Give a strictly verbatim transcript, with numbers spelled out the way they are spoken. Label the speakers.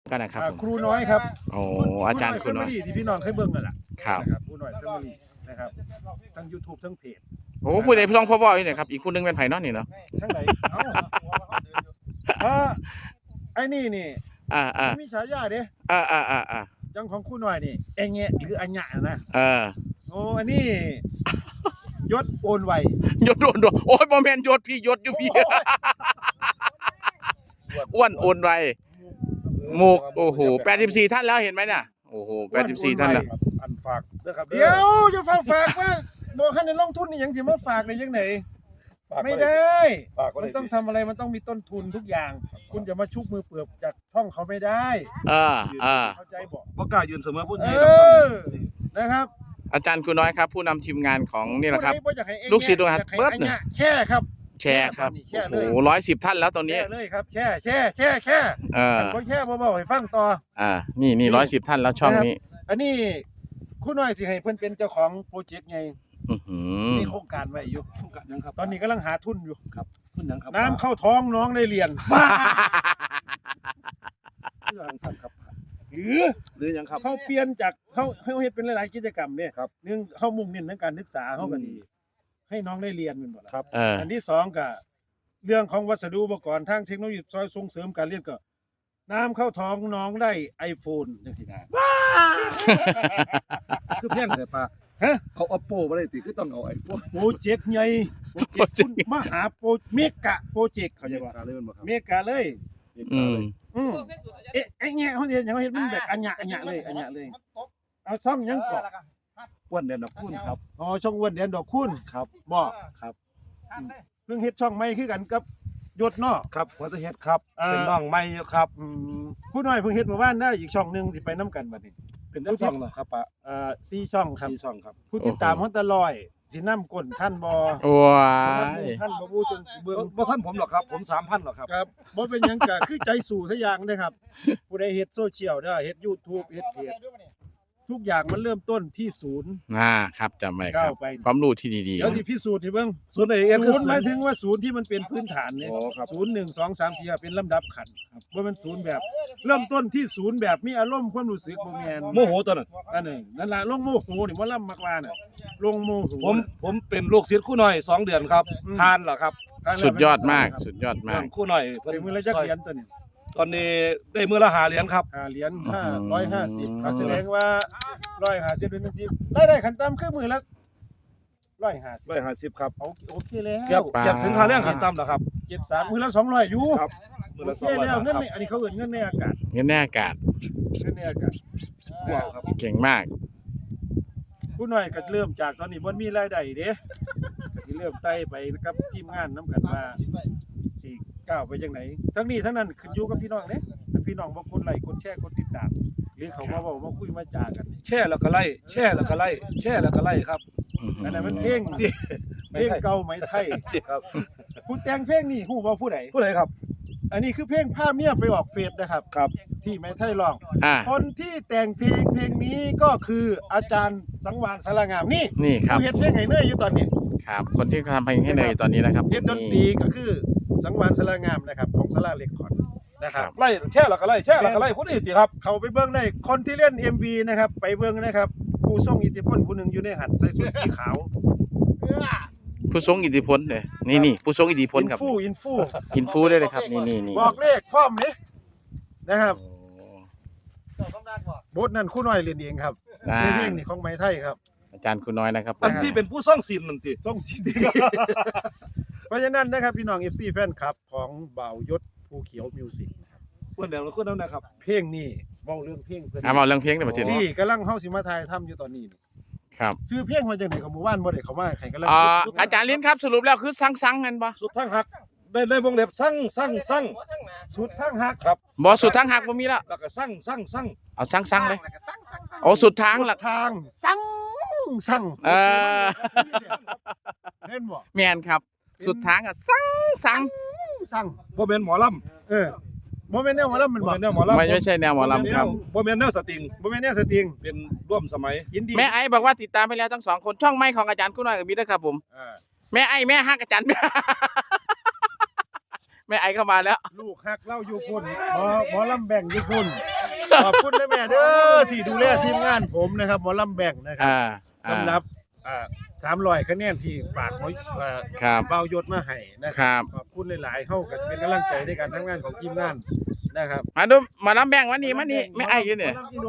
Speaker 1: ก็นะครับผม
Speaker 2: ครูน้อยครับ
Speaker 1: โอ้อาจารย์ครูน้อย
Speaker 2: ที่พี่น้องเคยเบิ่งนั่นแหละ
Speaker 1: ครับ
Speaker 2: ครูน้อยแฟมิลี่นะครับทั้ง YouTube ทั้งเพจ
Speaker 1: โอ้ผู้ใดพี่น้องพ่อบ่อยเนี่ยครับอีกคนนึงเป็นไผ่นอนนี่เนาะ
Speaker 2: ทั้งไหนเอ้าเออไอ้นี่นี่
Speaker 1: อ่าอ่า
Speaker 2: มีฉายาเด้
Speaker 1: อ่าอ่าอ่าอ่า
Speaker 2: จังของครูน้อยนี่เองแงะหรืออัญญะนะ
Speaker 1: เออ
Speaker 2: โอ้อันนี้ยศโอนไวย
Speaker 1: ศโอนโอ้ยบ่แม่นยศพี่ยศอยู่พี่อ้วนโอนไวมุกโอ้โหแปดสิบสี่ท่านแล้วเห็นไหมเนี่ยโอ้โหแปดสิบสี่ท่านแล้ว
Speaker 2: อันฝากเด้อครับเดี๋ยวจะฝากฝากว่าบ่คันได้ลงทุนนี่หยังสิมาฝากได้จังได๋ไม่ได้มันต้องทำอะไรมันต้องมีต้นทุนทุกอย่างคุณจะมาชุบมือเปลือกจากช่องเขาไม่ได้
Speaker 1: เออเออ
Speaker 2: เข้าใจบ่
Speaker 3: บ่กล้ายืนเสมอพูด
Speaker 2: เอ
Speaker 3: ใหญ่
Speaker 2: อนะครับ
Speaker 1: อาจารย์ครูน้อยครับผู้นำทีมงานของนี่แหละครับ
Speaker 2: ผู้ใดอยาให้เอง
Speaker 1: ลูกศิษย์ลูกหา
Speaker 2: อยากให้
Speaker 1: เบิด
Speaker 2: อัญ
Speaker 1: เนี่ย
Speaker 2: ญะแช่ครับ
Speaker 1: แชร์ครับ
Speaker 2: แช่
Speaker 1: โอ้
Speaker 2: เลย
Speaker 1: โหร้อยสิบท่านแล้วตอนนี้
Speaker 2: แช่เลยครับแช่แช่แช่แช่
Speaker 1: เออ
Speaker 2: บ่แช่บ่บอกให้ฟังต่อ
Speaker 1: อ่านี่นี่ร้อยสิบท่านแล้วช่องนี้
Speaker 2: อันนี้ครูน้อยสิให้เพิ่นเป็นเจ้าของโปรเจกต์ไง
Speaker 1: อื้อหือ
Speaker 2: มีโครงการไว้อยู่
Speaker 3: ทุกกันยังครับ
Speaker 2: ตอนนี้กำลังหาทุนอยู่
Speaker 3: ครับพูดยังครับ
Speaker 2: น้ำเข้าท้องน้องได้เรียน
Speaker 3: เรื่องสั่นครับ
Speaker 2: หรือ
Speaker 3: หรือยังครับ
Speaker 2: เขาเปลี่ยนจากเขาเขาเฮ็ดเป็นหลายๆกิจกรรมเนี่ย
Speaker 3: ครับ
Speaker 2: หนึ่งเขามุ่งเน้นเรื่องการศึกษาเขาก็สิให้น้องได้เรียนแม่นบ่ล่ะ
Speaker 3: ครับ
Speaker 1: เออ
Speaker 2: อันที่สองก็เรื่องของวัสดุอุปกรณ์ทางเทคโนโลยีซอยส่งเสริมการเรียนก็น้ำเข้าท้องน้องได้ iPhone จังซี่นะ
Speaker 3: คือเพี้ยนแต่ปลา
Speaker 2: ฮะ
Speaker 3: เอา Oppo บ่ได้ติคือต้องเอา iPhone
Speaker 2: โปรเจกต์ใหญ่โปรเจกต์คุณมหาโปรเมกะโปรเจกต์เขาใจบ่
Speaker 3: การเลยมันบ่ครับ
Speaker 2: เมกะเลย
Speaker 1: อืม
Speaker 2: อืมเอ๊ะไอ้เงี้ยเขาเฮ็ดหยังเขาเฮ็ดมันแบบอัญญะอัญญะเลยอัญญะเลยเอาช่องหยังก่อน
Speaker 3: อ้วนเด่นดอกคุณครับ
Speaker 2: อ๋อช่องอ้วนแดนดอกคุณ
Speaker 3: ครับ
Speaker 2: บ่
Speaker 3: ครับ
Speaker 2: เพิ่งเฮ็ดช่องใหม่คือกันกับยศเนาะ
Speaker 3: ครับหัวตะเฮ็ดครับ
Speaker 2: อ่า
Speaker 3: เป็นน้องใหม่อยู่ครับ
Speaker 2: อืมผู้น้อยเพิ่งเฮ็ดเมื่อวานได้อีกช่องหนึงสิไปนํกันบัดนี้
Speaker 3: เป็นเจ้าช่องเหรอครับปะ
Speaker 2: เอ่อสี่ช่องครับ
Speaker 3: สี่ช่องครับ
Speaker 2: ผู้ติดตามฮอนตะลอยสินำก้นท่านบ่
Speaker 1: ว้า
Speaker 2: ท่าน
Speaker 1: ย
Speaker 2: บ่บูจนเบิ่ง
Speaker 3: บ่ท่านผมหรอกครับ ผม สามพันหรอกครับ
Speaker 2: ครับบ่เป็นหยังก็คือใจสู่ซะอย่างเด้อครับ ผู้ใดเฮ็ดโซเชียลเด้อเฮ็ด YouTube เฮ็ดเพจทุกอย่างมันเริ่มต้นที่ศูนย์
Speaker 1: อ่าครับจำไว้ค
Speaker 2: ก้า
Speaker 1: รั
Speaker 2: ว
Speaker 1: บ
Speaker 2: ไป
Speaker 1: ความรู้ที่ดี
Speaker 2: เดี๋ยวสิพิสูจน์ให้เบิ่ง
Speaker 3: ศูนย์ เอ เอส
Speaker 2: ศูนย์หมายถึงว่าศูนย์ที่มันเป็นพื้นฐานเนี่ย
Speaker 3: อ๋อครับ
Speaker 2: ศูนย์หนึ่งสองสามสี่เป็นลำดับขั้นครับว่ามันศูนย์แบบ เริ่มต้นที่ศูนย์แบบมีอารมณ์ความรู้สึกบ่แม่น
Speaker 3: โมโหตัวนั้น
Speaker 2: อันนึงนั่นล่ะลงโมโหนี่บ่ล่ำมักว่าน่ะลงโมโห
Speaker 3: ผมผมเป็นลูกศิษย์ครู่หน่อยสองเดือนครับ
Speaker 2: อืม
Speaker 3: ทานเหรอครับ
Speaker 1: ๆ สุดยอดมากสุดยอดมาก
Speaker 3: ครู่หน่อย
Speaker 2: เป็นมือละจักเหรียญตัวนี้
Speaker 3: ตอนนี้ได้มือละหาเหรียญครับ
Speaker 2: ห้าเหรียญ
Speaker 1: อื
Speaker 2: ห้าม ร้อยห้าสิบก็แสดงว่าร้อยห้าสิบเป็นสิบได้ได้ขั้นต่ำคือมือละร้อยห้าสิบ
Speaker 3: ร้อยห้าสิบครับ
Speaker 2: โอเคโอเคแล้ว
Speaker 3: เกือบเกือบถึงค่าแรงขั้นต่ำแล้วครับ
Speaker 2: เจ็ดสามมือละสองร้อยอยู่
Speaker 3: ครับมือ
Speaker 2: โอ
Speaker 3: ละ
Speaker 2: เค
Speaker 3: สองร้อย
Speaker 2: แล้ว
Speaker 3: บาท
Speaker 2: เงิน
Speaker 3: ครับ
Speaker 2: ในอันนี้เขาเอิ้นเงินในอากาศ
Speaker 1: เงินแน่อากาศ
Speaker 2: เงินในอากาศ
Speaker 3: ว้าวครับ
Speaker 1: เก่งมาก
Speaker 2: ผู้น้อยก็เริ่มจากตอนนี้บ่มีรายได้เด้ก็สิเริ่มไต่ไปกับทีมงานนํกันว่าสิก้าวไปจังไหนทั้งนี้ทั้งนั้นขึ้นอยู่กับพี่น้องเด้ถ้าพี่น้องบ่กดไลค์กดแชร์กดติดตามหรือเขามาเว้ามาคุยมาจากันนี่
Speaker 3: แช่แล้วก็ไล่แช่แล้วก็ไล่แช่แล้วก็ไล่ครับ
Speaker 1: อื้อหื
Speaker 2: อันนั้นมัน
Speaker 1: อ
Speaker 2: เพลงเพลงเก่าไหมไทย
Speaker 3: ครับ
Speaker 2: ผู้แต่งเพลงนี่ฮู้บ่ผู้ใด
Speaker 3: ผู้ใดครับ
Speaker 2: อันนี้คือเพลงพาเมียไปออกเฟซนะครับ
Speaker 3: ครับ
Speaker 2: ที่ไหมไทยร้อง
Speaker 1: อ่า
Speaker 2: คนที่แต่งเพลงเพลงนี้ก็คืออาจารย์สังวานสารงามนี่
Speaker 1: นี่ครับ
Speaker 2: ผู้เฮ็ดเพลงให้เนยอยู่ตอนนี้
Speaker 1: ครับ คนที่ทำเพลงให้เนยตอนนี้นะครับ
Speaker 2: เฮ็ดดนตรีก็คือสังวานสารางามนะครับของสาราเรคคอร์ดนะครับ
Speaker 3: ไล่แช่แล้วก็ไล่แช่แล้วก็ไล่ผู้นี้ติครับ
Speaker 2: เขาไปเบิ่งได้คนที่เล่น เอ็ม วี นะครับไปเบิ่งนะครับผู้ทรงอิทธิพลผู้หนึ่งอยู่ในหันใส่ชุดสีขาว
Speaker 1: ผู้ทรงอิทธิพลเลยนี่นี่ผู้ทรงอิทธิพล
Speaker 2: อิน
Speaker 1: ครับ
Speaker 2: ฟูอินฟู
Speaker 1: อินฟูได้เลยครับนี่นี่นี่
Speaker 2: บอกเลขพร้อมนี่นะครับ
Speaker 1: โอ้
Speaker 2: บทนั้นครู่น้อยเรียนเองครับ
Speaker 1: อ่า
Speaker 2: ในเพลงนี่ของไหมไทยครับ
Speaker 1: อาจารย์คุณน้อยนะครับ
Speaker 3: อันที่เป็นผู้ซ่องศิลป์นั่นติ
Speaker 2: ทรงสีดีเพราะฉะนั้นนะครับพี่น้อง เอฟ ซี แฟนคลับของบ่าวยศภูเขียวมิวสิก
Speaker 3: เพิ่นเดี๋ยวเราคนนั้นนะครับ
Speaker 2: เพลงนี้เว้าเรื่องเพลงเพิ่น
Speaker 1: อ่ามาเรื่องเพลงในประเทศนี้
Speaker 2: ที่กำลังเฮาสิมาถ่ายทำอยู่ตอนนี้นี่
Speaker 1: ครับ
Speaker 2: ซื้อเพลงมาจากไหนกับหมู่บ้านบ่ได้เข้ามาใครกำลัง
Speaker 1: อ่าอาจารย์ลิ้นครับสรุปแล้วคือสั่งสั่งกันปะ
Speaker 3: สุดทั้งหักได้ได้วงเล็บสั่งสั่งสั่ง
Speaker 2: สุดทั้งหัก
Speaker 3: ครับ
Speaker 1: บอสุดทางหักบ่มีแล้ว
Speaker 3: แล้วก็สั่งสั่งสั่ง
Speaker 1: เอาสั่งสั่งเลยโอ้สุดทางละ
Speaker 2: ทางสั่งสั่ง
Speaker 1: เออ
Speaker 2: เล่นบ่
Speaker 1: แมนครับ สุดทางอ่ะสั่งสั่ง
Speaker 2: สั่ง
Speaker 3: บ่แม่นหมอลำ
Speaker 2: เออบ่แม่นแนวหมอลำมัน
Speaker 3: บ่
Speaker 2: บ่
Speaker 3: แม่นแนวหมอลำ
Speaker 1: ไม่ไม่ใช่แนวหมอลำครับ
Speaker 3: บ่แม่นแนวสตริง
Speaker 2: บ่แม่นแนวสตริง
Speaker 3: เป็นร่วมสมัย
Speaker 2: ยินดี
Speaker 1: แม่ไอ้บอกว่าติดตามไปแล้วทั้งสองคนช่องไม่ของอาจารย์คุณน้อยกับมิตรครับผม
Speaker 2: เออ
Speaker 1: แม่ไอ้แม่ฮักอาจารย์ แม่ไอ้เข้ามาแล้ว
Speaker 2: ลูกฮักเล่าอยู่พุ่นหมอหมอลำแบ่งอยู่พุ่นขอบคุณนะแม่เด้อที่ดูแลทีมงานผมนะครับหมอลำแบ่งนะครั
Speaker 1: อ่า
Speaker 2: บ
Speaker 1: อ่า
Speaker 2: สำหรับอ่าสามร้อยคะแนนที่ฝากหมออ่า
Speaker 1: ครับ
Speaker 2: เบายศมาให้นะค
Speaker 1: ครั
Speaker 2: รับ ขอบคุณหลายๆเฮาก็เป็นกำลังใจในการทำงานของทีมงานนะครับ
Speaker 1: มาดูมารับแบ่งวันนี้มานี่ไม่ไอ้อยู่เนี่ย
Speaker 2: หมอลำอีโน